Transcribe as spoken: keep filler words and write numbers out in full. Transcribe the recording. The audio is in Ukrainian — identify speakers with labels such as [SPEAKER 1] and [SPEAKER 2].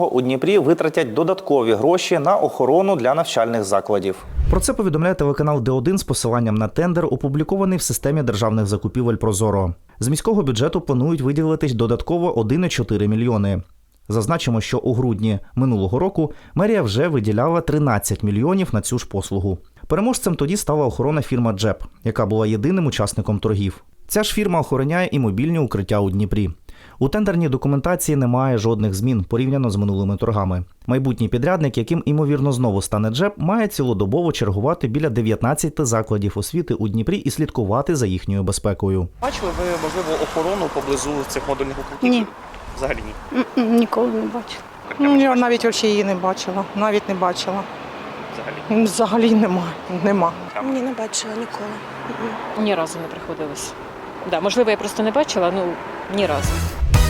[SPEAKER 1] У Дніпрі витратять додаткові гроші на охорону для навчальних закладів. Про це повідомляє телеканал Д один з посиланням на тендер, опублікований в системі державних закупівель «Прозоро». З міського бюджету планують виділити додатково один цілих чотири мільйони. Зазначимо, що у грудні минулого року мерія вже виділяла тринадцять мільйонів на цю ж послугу. Переможцем тоді стала охоронна фірма «Джеп», яка була єдиним учасником торгів. Ця ж фірма охороняє і мобільні укриття у Дніпрі. У тендерній документації немає жодних змін порівняно з минулими торгами. Майбутній підрядник, яким, імовірно, знову стане «Джеп», має цілодобово чергувати біля дев'ятнадцяти закладів освіти у Дніпрі і слідкувати за їхньою безпекою.
[SPEAKER 2] Бачили ви, можливо, охорону поблизу цих модульних укриттів?
[SPEAKER 3] Ні.
[SPEAKER 2] Взагалі ні?
[SPEAKER 3] М-м, Ніколи не бачила.
[SPEAKER 4] Ну, я навіть взагалі її не бачила. Навіть не бачила.
[SPEAKER 2] Взагалі?
[SPEAKER 4] Взагалі нема. Нема.
[SPEAKER 5] Ні, не бачила ніколи.
[SPEAKER 6] Ні разу не приходилось. Да, можливо, я просто не бачила, ну ні разу.